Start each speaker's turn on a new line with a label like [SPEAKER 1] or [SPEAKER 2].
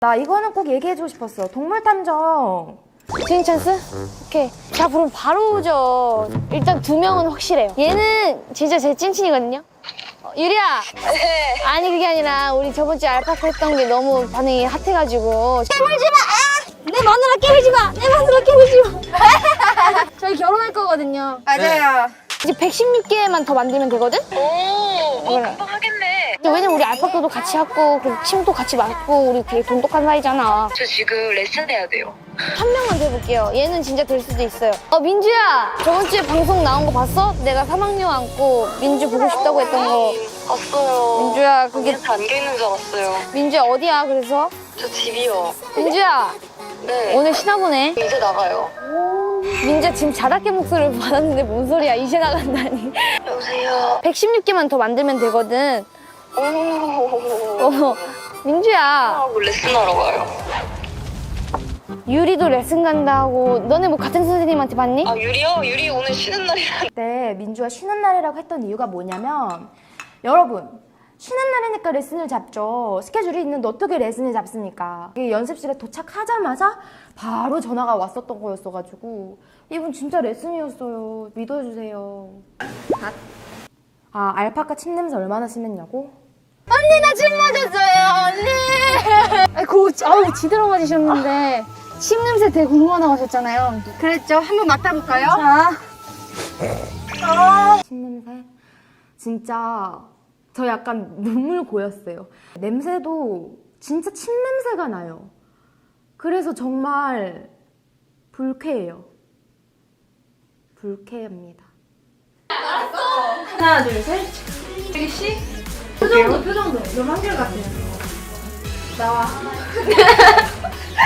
[SPEAKER 1] 나 이거는 꼭 얘기해주고 싶었어. 동물탐정.
[SPEAKER 2] 주인 찬스? 오케이. 자, 그럼 바로 오죠. 일단 2명은 확실해요. 얘는 진짜 제 찐친이거든요. 유리야.
[SPEAKER 3] 네.
[SPEAKER 2] 아니 그게 아니라 우리 저번 주에 알파카 했던 게 너무 반응이 핫해가지고. 깨물지 마! 내 마누라 깨물지 마! 내 마누라 깨물지 마! 저희 결혼할 거거든요.
[SPEAKER 1] 맞아요.
[SPEAKER 2] 이제 116개만 더 만들면 되거든?
[SPEAKER 3] 오, 뭐
[SPEAKER 2] 그래.
[SPEAKER 3] 금방 하겠네.
[SPEAKER 2] 왜냐면 우리 알파카도 같이 하고 그리고 침도 같이 맞고 우리 되게 돈독한 사이잖아.
[SPEAKER 3] 저 지금 레슨 해야 돼요.
[SPEAKER 2] 한 명만 더 해볼게요. 얘는 진짜 될 수도 있어요. 민주야! 저번 주에 방송 나온 거 봤어? 내가 사막류 안고 민주 보고 싶다고 했던 거.
[SPEAKER 3] 봤어요.
[SPEAKER 2] 민주야, 그게
[SPEAKER 3] 담겨 있는 줄 알았어요.
[SPEAKER 2] 민주야 어디야 그래서?
[SPEAKER 3] 저 집이요.
[SPEAKER 2] 민주야
[SPEAKER 3] 네.
[SPEAKER 2] 오늘 쉬나 보네.
[SPEAKER 3] 이제 나가요.
[SPEAKER 2] 민주야 지금 자다깨 목소리를 받았는데 뭔 소리야 이제 나간다니.
[SPEAKER 3] 여보세요.
[SPEAKER 2] 116개만 더 만들면 되거든.
[SPEAKER 3] 오.
[SPEAKER 2] 민주야
[SPEAKER 3] 하고 레슨하러 가요.
[SPEAKER 2] 유리도 레슨 간다 하고 너네 뭐 같은 선생님한테 봤니?
[SPEAKER 3] 아, 유리요? 유리 오늘 쉬는 날이라.
[SPEAKER 1] 그때 민주가 쉬는 날이라고 했던 이유가 뭐냐면 여러분 쉬는 날이니까 레슨을 잡죠. 스케줄이 있는데 어떻게 레슨을 잡습니까? 연습실에 도착하자마자 바로 전화가 왔었던 거였어가지고 이분 진짜 레슨이었어요. 믿어주세요. 아 알파카 침 냄새 얼마나 심했냐고?
[SPEAKER 2] 언니 나 침 맞았어요 언니. 아우 지대로 맞으셨는데 침 냄새 되게 궁금하다고 하셨잖아요.
[SPEAKER 1] 그랬죠. 한번 맡아볼까요?
[SPEAKER 2] 자.
[SPEAKER 1] 침 냄새? 진짜 저 약간 눈물 고였어요. 냄새도 진짜 침 냄새가 나요. 그래서 정말 불쾌해요. 불쾌합니다. 하나, 둘, 셋. 여기 씨? 표정도. 좀 한결 같아요. 나와.